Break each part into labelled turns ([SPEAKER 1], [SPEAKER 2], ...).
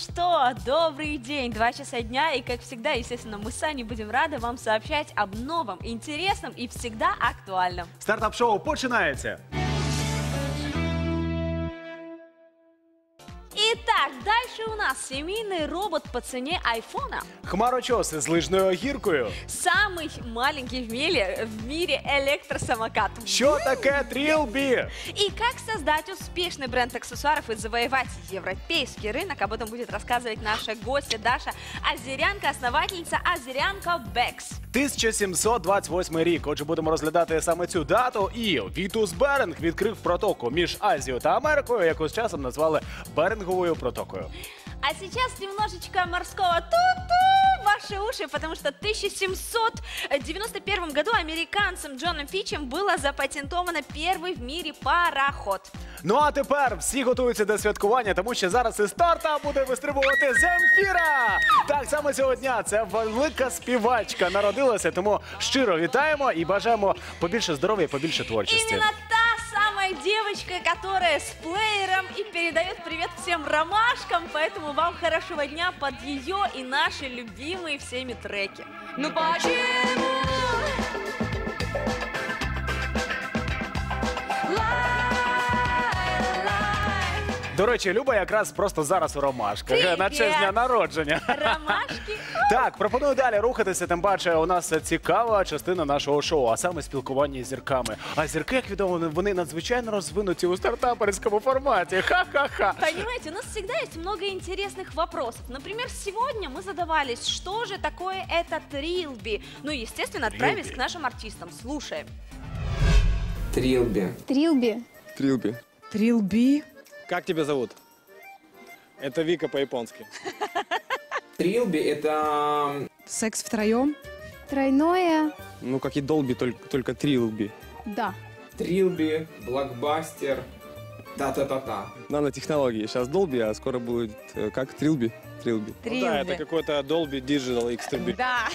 [SPEAKER 1] что, добрый день, 2 часа дня, и как всегда, естественно, мы с Аней будем рады вам сообщать об новом, интересном и всегда актуальном.
[SPEAKER 2] Стартап-шоу починається!
[SPEAKER 1] Итак, дальше у нас семейный робот по цене айфона.
[SPEAKER 2] Хмарочоси з лижною гіркою.
[SPEAKER 1] Самый маленький в мире электросамокат.
[SPEAKER 2] Що таке Trilby?
[SPEAKER 1] И как создать успешный бренд аксессуаров и завоевать европейский рынок, об этом будет рассказывать наша гостья Даша Азерянка, основательница Азерянка Бекс.
[SPEAKER 2] 1728 рік. Отже, будемо розглядати саме цю дату. І Вітус Беринг відкрив протоку між Азією та Америкою, яку з часом назвали Беринговою протокою.
[SPEAKER 1] А сейчас немножечко морского ту-ту ваши уши, потому что в 1791 году американцем Джоном Фичем было запатентовано первый в мире пароход.
[SPEAKER 2] Ну а тепер всі готуються до святкування, тому що зараз із старта буде вистрибувати Земфіра! Так, саме цього дня ця велика співачка народилася, тому щиро вітаємо і бажаємо побільше здоров'я і побільше творчості.
[SPEAKER 1] Именно та самая девочка, которая с плеером и передает привет всем ромашкам, поэтому вам хорошего дня под ее и наши любимые всеми треки. Ну почему?
[SPEAKER 2] До речі, Люба якраз просто зараз у ромашках,
[SPEAKER 1] Привіт!
[SPEAKER 2] на честь дня народження.
[SPEAKER 1] Ромашки?
[SPEAKER 2] Так, пропоную далі рухатися, тим паче у нас цікава частина нашого шоу, а саме спілкування з зірками. А зірки, як відомо, вони надзвичайно розвинуті у стартаперському форматі. Ха-ха-ха.
[SPEAKER 1] Понимаете, у нас всегда есть много интересных вопросов. Например, сегодня мы задавались, что же такое это Trilby. Ну, естественно, отправились
[SPEAKER 2] Trilby.
[SPEAKER 1] к нашим артистам. Слушаем.
[SPEAKER 3] Трилби.
[SPEAKER 4] Трилби.
[SPEAKER 5] Трилби.
[SPEAKER 6] Трилби.
[SPEAKER 5] Как тебя зовут? Это Вика по-японски.
[SPEAKER 3] Трилби это
[SPEAKER 6] Секс втроем.
[SPEAKER 4] Тройное.
[SPEAKER 5] Ну, как и Долби, только Трилби.
[SPEAKER 4] Да.
[SPEAKER 3] Трилби, блокбастер, та-та-та-та.
[SPEAKER 5] Нанотехнологии. Сейчас Долби, а скоро будет как Трилби? Трилби. Ну да, это какой-то Dolby Digital X3B.
[SPEAKER 1] Да.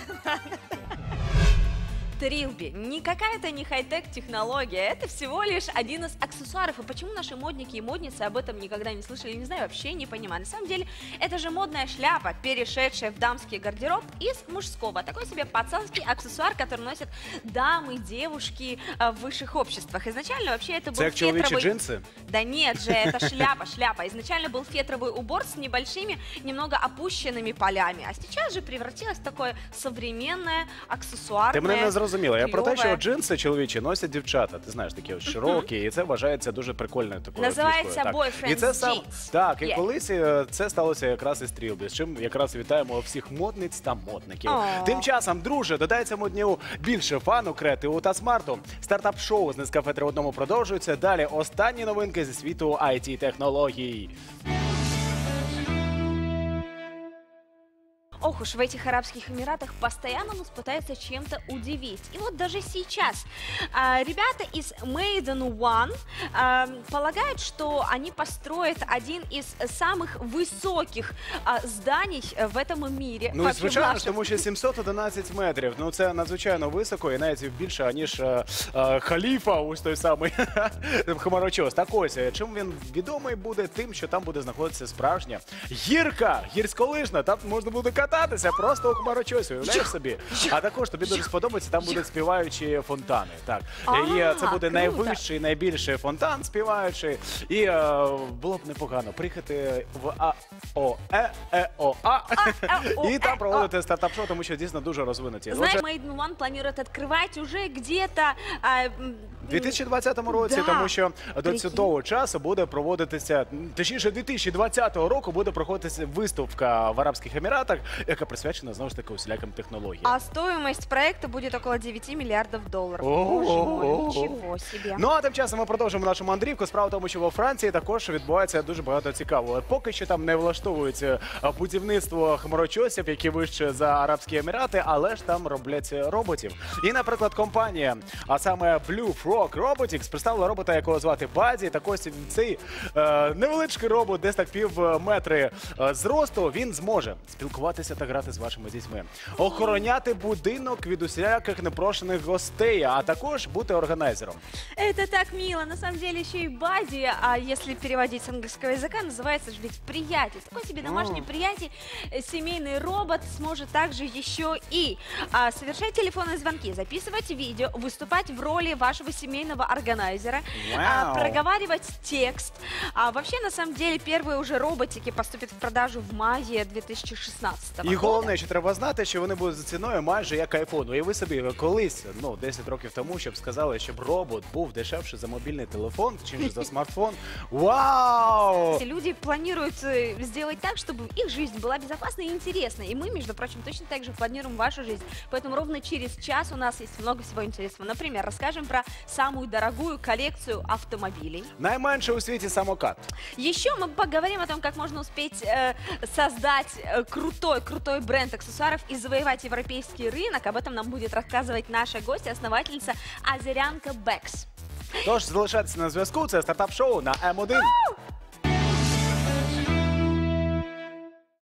[SPEAKER 1] Trilby. Не какая-то не хай-тек технология, это всего лишь один из аксессуаров. И почему наши модники и модницы об этом никогда не слышали, не знаю, вообще не понимаю. На самом деле, это же модная шляпа, перешедшая в дамский гардероб из мужского. Такой себе пацанский аксессуар, который носят дамы, девушки в высших обществах. Изначально вообще это был
[SPEAKER 2] Це як чоловічі
[SPEAKER 1] фетровый...
[SPEAKER 2] джинси?
[SPEAKER 1] Да нет же, это шляпа. Изначально был фетровый убор с небольшими, немного опущенными полями. А сейчас же превратилось в такое современное, аксессуарное.
[SPEAKER 2] Ти мене не зрозуміла. Я про те, що
[SPEAKER 1] кльове.
[SPEAKER 2] джинси чоловічі носять дівчата. Ти знаєш, такі ось широкі, і це вважається дуже прикольною такою
[SPEAKER 1] Називається
[SPEAKER 2] фішкою.
[SPEAKER 1] boyfriend's
[SPEAKER 2] І це сам
[SPEAKER 1] jeans.
[SPEAKER 2] так, і
[SPEAKER 1] Є.
[SPEAKER 2] колись це сталося якраз із Трілбі, з чим якраз вітаємо всіх модниць та модників.
[SPEAKER 1] О.
[SPEAKER 2] Тим часом, друже, додається дню більше фану, креативу та смарту. Стартап-шоу з Нескафе 3 в одному продовжується. Далі останні новинки зі світу IT-технологій.
[SPEAKER 1] Ох уж в этих Арабских Эмиратах постоянно нас пытаются чем-то удивить. И вот даже сейчас ребята из Made in One полагают, что они построят один из самых высоких зданий в этом мире.
[SPEAKER 2] Ну, і
[SPEAKER 1] Вообще,
[SPEAKER 2] звичайно ж,
[SPEAKER 1] наших.
[SPEAKER 2] тому що 711 метрів. Ну, це надзвичайно високо і навіть більше, ніж халіфа, ось той самий хмарочос. Так ось, чим він відомий буде? Тим, що там буде знаходитися справжня гірка, гірськолижна. Там можна буде кататися просто у хмарочосі, уявляєш собі? А також тобі дуже сподобається, там будуть співаючі фонтани. Так. І це буде
[SPEAKER 1] круто.
[SPEAKER 2] найвищий, найбільший фонтан співаючий. І було б непогано приїхати в АОЕОА і там проводити стартап-шоу, тому що дійсно дуже розвинуті.
[SPEAKER 1] Знаешь, Made in One планирует открывать уже где-то...
[SPEAKER 2] У 2020 році,
[SPEAKER 1] Да.
[SPEAKER 2] тому що до
[SPEAKER 1] Прикинь.
[SPEAKER 2] цього часу буде проводитися, точніше 2020 року буде проходитися виставка в Арабських Еміратах, яка присвячена знову ж таки усіляким технологіям.
[SPEAKER 1] А стоимость проекта будет около 9 миллиардов долларов.
[SPEAKER 2] Ого.
[SPEAKER 1] Боже мой, ничего себе.
[SPEAKER 2] Ну а тим часом ми продовжимо нашу мандрівку. Справа в тому, що во Франції також відбувається дуже багато цікавого. Поки що там не влаштовується будівництво хмарочосів, які вище за Арабські Емірати, але ж там роблять роботів. І, наприклад, компанія, а саме Blue Frog Robotics, представила робота, якого звати Баді. Так ось цей невеличкий робот, десь так пів метри зросту, він зможе спілкуватися та грати з вашими дітьми. Охороняти будинок від усіляких непрошених гостей, а також бути органайзером.
[SPEAKER 1] Это так мило. На самом деле еще и бади, а если переводить с английского языка, называется же ведь приятель. Такой себе домашний приятель, семейный робот сможет также еще и совершать телефонные звонки, записывать видео, выступать в роли вашего семейного органайзера, проговаривать текст. Вообще, на самом деле, первые уже роботики поступят в продажу в мае 2016 года.
[SPEAKER 2] І головне, що треба знати, що вони будуть за ціною майже як айфон. Уяви собі, колись, 10 років тому, щоб сказали, щоб робот був дешевше за мобільний телефон, чим за смартфон. Вау!
[SPEAKER 1] Люди планируют сделать так, чтобы их жизнь была безопасной и интересной. И мы, между прочим, точно так же планируем вашу жизнь. Поэтому ровно через час у нас есть много всего интересного. Например, расскажем про самую дорогую коллекцию автомобилей.
[SPEAKER 2] Найменше у світі самокат.
[SPEAKER 1] Еще мы поговорим о том, как можно успеть создать крутой бренд аксессуаров и завоевать европейский рынок. Об этом нам будет рассказывать наша гостья, основательница Азерянка Бэкс.
[SPEAKER 2] Тож залишайтеся на зв'язку, це стартап-шоу на М1.